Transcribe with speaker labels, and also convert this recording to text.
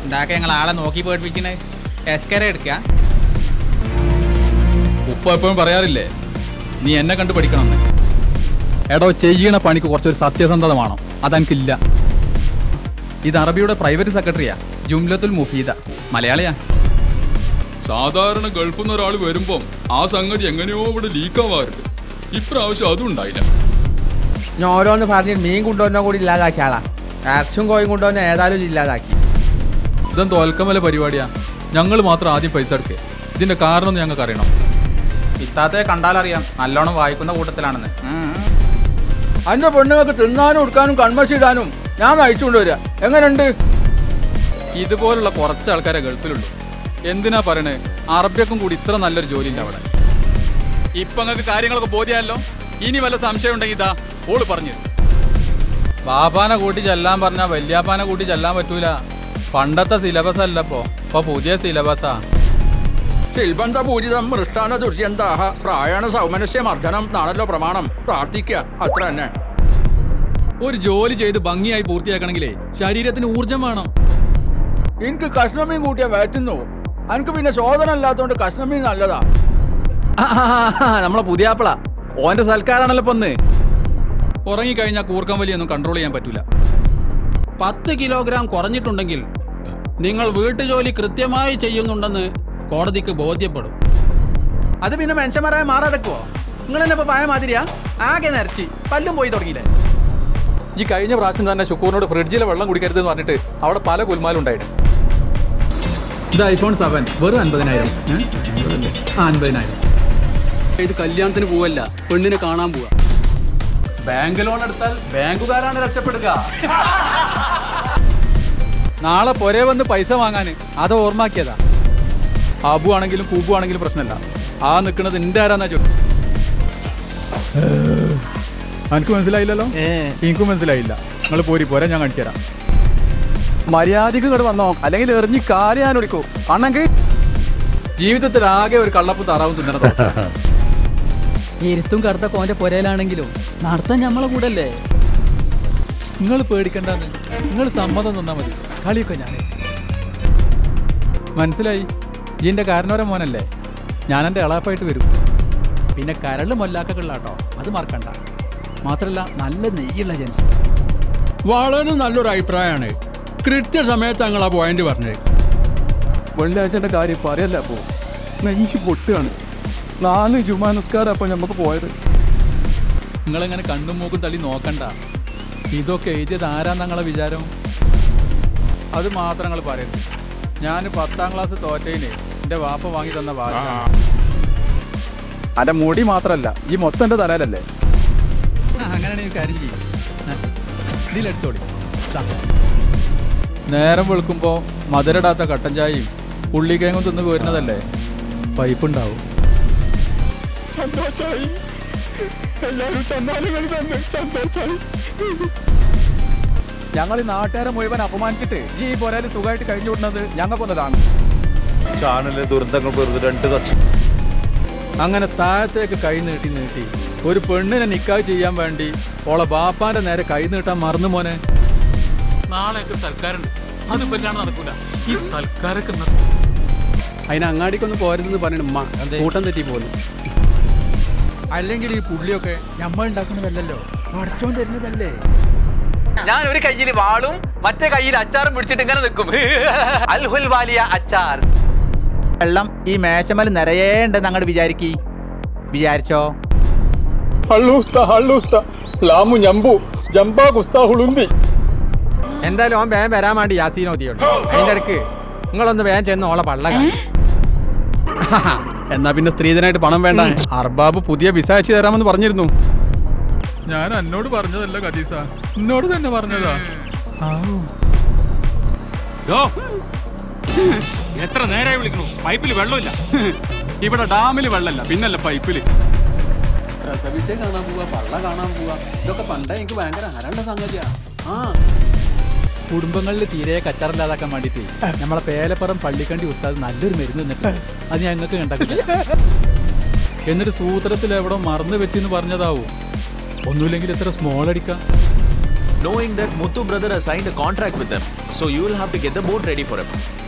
Speaker 1: ഉണ്ടാക്ക ഞങ്ങൾ ആളെ നോക്കി പേടിപ്പിക്കണേ എസ്കര എടുക്ക.
Speaker 2: ഉപ്പ എപ്പോഴും പറയാറില്ലേ നീ എന്നെ കണ്ടു പഠിക്കണമെന്ന്. എടോ ചെയ്യണ പണിക്ക് കുറച്ചൊരു സത്യസന്ധത വേണം, അതെനിക്കില്ല. ഇത് അറബിയുടെ പ്രൈവറ്റ് സെക്രട്ടറിയാ, ജുംലത്തുൽ മുഫീദ, മലയാളിയാ.
Speaker 3: സാധാരണ ഗൾഫിൽ നിന്ന് ഒരാൾ വരുമ്പം ആ സംഗതി എങ്ങനെയോ ഇവിടെ ലീക്കാവാറുണ്ട്. ഇപ്രാവശ്യം അതും ഉണ്ടായില്ല.
Speaker 4: ഞാൻ ഓരോന്ന് പറഞ്ഞ് മീൻ കൊണ്ടുവന്ന കൂടി ഇല്ലാതാക്കിയ ആളാ. ഇറച്ചും കോയും കൊണ്ടുവന്ന ഏതായാലും ഇല്ലാതാക്കി.
Speaker 2: ഇതും തോൽക്കമല പരിപാടിയാ. ഞങ്ങൾ മാത്രം ആദ്യം പൈസ എടുക്കുക. ഇതിന്റെ കാരണം ഞങ്ങൾക്ക് അറിയണം.
Speaker 1: ഇത്താത്തയെ കണ്ടാലറിയാം നല്ലോണം വായിക്കുന്ന കൂട്ടത്തിലാണെന്ന്.
Speaker 4: അതിന്റെ പെണ്ണുങ്ങൾക്ക് തിന്നാനും ഉടുക്കാനും കൺമശിടാനും ഞാൻ നയിച്ചുകൊണ്ട് വരിക. എങ്ങനെയുണ്ട്?
Speaker 2: ഇതുപോലുള്ള കുറച്ച് ആൾക്കാരെ ഗൾഫിലുള്ളൂ. എന്തിനാ പറയണേ, അറബിയക്കും കൂടി ഇത്ര നല്ലൊരു ജോലി ഇല്ല അവിടെ. ഇപ്പൊ നിങ്ങൾക്ക് കാര്യങ്ങളൊക്കെ ബോധ്യമല്ലോ. ഇനി വല്ല സംശയം ഉണ്ടെങ്കിൽ ഇതാ ഓള് പറഞ്ഞു. ബാപ്പാനെ കൂട്ടി ചെല്ലാൻ പറഞ്ഞാൽ വല്യാപ്പാനെ കൂട്ടി ചെല്ലാൻ പറ്റൂല. പണ്ടത്തെ സിലബസ് അല്ല ഇപ്പൊ പുതിയ സിലബസാ.
Speaker 5: ശിൽബന്ധ പൂജിതം മൃഷ്ടാന ദുഷ്യന്താഹ പ്രായണ സൗമനസ്യ മർദ്ദനം എന്നാണല്ലോ പ്രമാണം. പ്രാർത്ഥിക്കുക, അത്ര തന്നെ.
Speaker 2: ഒരു ജോലി ചെയ്ത് ഭംഗിയായി പൂർത്തിയാക്കണമെങ്കിലേ ശരീരത്തിന് ഊർജം വേണം.
Speaker 4: എനിക്ക് കഷ്ണമീൻ കൂട്ടിയ വയറ്റുന്നു. എനിക്ക് പിന്നെ ശോധന അല്ലാത്തോണ്ട് കഷ്ണമീൻ നല്ലതാ.
Speaker 2: നമ്മളെ പുതിയ ആപ്പിള ഓന്റെ സൽക്കാരാണല്ലോ പൊന്ന്. ഉറങ്ങിക്കഴിഞ്ഞാൽ കൂർക്കം വലിയൊന്നും കൺട്രോൾ ചെയ്യാൻ പറ്റൂല.
Speaker 6: 10 കിലോഗ്രാം കുറഞ്ഞിട്ടുണ്ടെങ്കിൽ നിങ്ങൾ വീട്ടുജോലി കൃത്യമായി ചെയ്യുന്നുണ്ടെന്ന് കോടതിക്ക് ബോധ്യപ്പെടും.
Speaker 5: അത് പിന്നെ മനുഷ്യന്മാരായ മാറാതെക്കുവോ? നിങ്ങൾ തന്നെ ഇപ്പൊ പഴയ മാതിരിയാ? ആകെ നിറച്ചി പല്ലും പോയി തുടങ്ങിയില്ലേ?
Speaker 2: ഈ കഴിഞ്ഞ പ്രാവശ്യം തന്നെ ശുക്കൂറിനോട് ഫ്രിഡ്ജിലെ വെള്ളം കുടിക്കരുതെന്ന് പറഞ്ഞിട്ട് അവിടെ പല കുൽമാലും ഉണ്ടായിട്ട്. ഇത് iPhone 7 വെറും 50,000. 50,000.
Speaker 6: ഇത് കല്യാണത്തിന് പോവല്ല, പെണ്ണിനെ കാണാൻ പോവാ.
Speaker 2: ബാങ്ക് ലോൺ എടുത്താൽ ബാങ്കുകാരാണ് രക്ഷപ്പെടുക. നാളെ പൊരേ വന്ന് പൈസ വാങ്ങാൻ അത് ഓർമ്മാക്കിയതാ. ആബു ആണെങ്കിലും കൂബു ആണെങ്കിലും പ്രശ്നമല്ല. ആ നിൽക്കുന്നത് എന്റെ ആരാന്നാ ചോദിക്കും. എനിക്ക് മനസ്സിലായില്ലല്ലോ. എനിക്കും മനസ്സിലായില്ല. നിങ്ങൾ പോരാ, ഞാൻ കാണിച്ചു തരാം. മര്യാദക്ക് ഇങ്ങോട്ട് വന്നോ, അല്ലെങ്കിൽ എറിഞ്ഞ് കാര്യം ഞാൻ വിളിക്കൂ. ആണെങ്കിൽ ജീവിതത്തിൽ ആകെ ഒരു കള്ളപ്പും താറാവും തിന്നണത്.
Speaker 6: ഇരുത്തും കറുത്ത കോന്റെ പൊരയിലാണെങ്കിലും നടത്താൻ ഞമ്മളെ കൂടല്ലേ.
Speaker 2: നിങ്ങൾ പേടിക്കണ്ടെന്ന്, നിങ്ങൾ സമ്മതം തന്നാ മതി. കളിയൊക്കെ ഞാൻ മനസ്സിലായി. ഇതിന്റെ കാരണവരെ മോനല്ലേ. ഞാൻ എൻ്റെ എളാപ്പായിട്ട് വരും. പിന്നെ കരള് മൊല്ലാക്കുള്ളാട്ടോ, അത് മറക്കണ്ട. മാത്രല്ല നല്ല നെയ്യുള്ള ജൻസ്.
Speaker 5: വളരെ നല്ലൊരു അഭിപ്രായമാണ്. കൃത്യസമയത്ത് ഞങ്ങൾ ആ പോയിന്റ് പറഞ്ഞത്.
Speaker 2: വെള്ളിയാഴ്ചൻ്റെ കാര്യം പറയല്ല. അപ്പോൾ നെഞ്ച് പൊട്ടുകയാണ്. 4 ജുമാ നിസ്കാരം അപ്പോൾ നമുക്ക് പോയത്. നിങ്ങളിങ്ങനെ കണ്ണും മൂക്കും തള്ളി നോക്കണ്ട. ഇതൊക്കെ എഴുതിയത് ആരാന്ന് നിങ്ങളെ വിചാരം? അത് മാത്രം നിങ്ങൾ പറയരുത്. ഞാൻ 10ാം ക്ലാസ് തോറ്റയിന് എൻ്റെ വാപ്പ വാങ്ങി തന്ന വാശ. എൻ്റെ മുടി മാത്രമല്ല, ഈ മൊത്തം എൻ്റെ തലയിലല്ലേ. അങ്ങനെയാണെങ്കിൽ കാര്യം ചെയ്യും, ഇതിലെടുത്തോളി. നേരം വെളുക്കുമ്പോൾ മധുരടാത്ത കട്ടൻ ചായയും ഉള്ളിക്കേങ്ങും തിന്ന് പോരുന്നതല്ലേ, പൈപ്പുണ്ടാവും. ഞങ്ങൾ ഈ നാട്ടുകാരെ മുഴുവൻ അപമാനിച്ചിട്ട് ഈ പോരാല് സുഖമായിട്ട് കഴിഞ്ഞു വിടുന്നത് ഞങ്ങൾക്കൊന്നതാണ്.
Speaker 7: ചാനലിലെ ദുരന്തങ്ങൾ വെറുതെ 2 ലക്ഷം.
Speaker 2: അങ്ങനെ താഴത്തേക്ക് കൈ നീട്ടി നീട്ടി ഒരു പെണ്ണിനെ നിക്കാഹ് ചെയ്യാൻ വേണ്ടി ഓളെ ബാപ്പാന്റെ നേരെ കൈ നീട്ടാൻ മറന്നു മോനെ.
Speaker 3: നാളെ സൽക്കാരുണ്ട്, അത് പറ്റാണ്ട് നടക്കൂല. ഈ സൽക്കാരൊക്കെ
Speaker 6: അതിന് അങ്ങാടിക്കൊന്നും പോരുതെന്ന് പറഞ്ഞിട്ട് കൂട്ടം തെറ്റി പോലും.
Speaker 4: അല്ലെങ്കിൽ ഈ പുള്ളിയൊക്കെ നമ്മൾ ഉണ്ടാക്കുന്നതല്ലോ, പഠിച്ചോൻ തരുന്നതല്ലേ.
Speaker 8: ഞാൻ ഒരു കയ്യിൽ വാളും മറ്റേ കയ്യിൽ അച്ചാറും പിടിച്ചിട്ട് ഇങ്ങനെ നിൽക്കും. അൽഹുൽ വാലിയ അച്ചാർ.
Speaker 4: വെള്ളം ഈ മേശമൽ നിറയേണ്ടെന്ന് അങ്ങോട്ട് വിചാരിച്ചോ? എന്തായാലും ഓൻ വേഗം വരാൻ വേണ്ടി യാസീനോദിയുണ്ട്. അതിന്റെ ഇടയ്ക്ക് നിങ്ങളൊന്ന് വേഗം ചെന്ന് ഓളെ പള്ള.
Speaker 2: എന്നാ പിന്നെ സ്ത്രീധനായിട്ട് പണം വേണ്ട. അർബാബ് പുതിയ വിസ അയച്ചു തരാമെന്ന് പറഞ്ഞിരുന്നു. ഞാൻ എന്നോട് പറഞ്ഞതല്ല ഖദീസ, എന്നോട് തന്നെ പറഞ്ഞതാ.
Speaker 3: എത്ര നേരമായി വിളിക്കണു? പൈപ്പിൽ വെള്ളമില്ല.
Speaker 2: ഇവിടെ ഡാമിൽ വെള്ളമല്ല, പിന്നല്ല പൈപ്പില്.
Speaker 6: പ്രസവിച്ചേ കാണാൻ പോവാ, പള്ള കാണാൻ പോവാ, ഇതൊക്കെ പണ്ടേ എനിക്ക് ഭയങ്കര ഹരണ്ട സംഗതിയാ.
Speaker 2: കുടുംബങ്ങളിൽ തീരെ കച്ചറില്ലാതാക്കാൻ വേണ്ടിട്ട് നമ്മളെ പേലപ്പുറം പള്ളിക്കണ്ടി ഉസ്താദ് നല്ലൊരു മരുന്ന് തന്നിട്ട് അത് ഞങ്ങൾക്ക് കണ്ടില്ല. എന്നിട്ട് സൂത്രത്തിൽ എവിടെ മറന്നു വെച്ചെന്ന് പറഞ്ഞതാവൂ. ഒന്നുമില്ലെങ്കിൽ എത്ര സ്മോൾ അടിക്കാം.
Speaker 9: knowing that Muthu brother has signed a contract with them. So you will have to get the boat ready for him.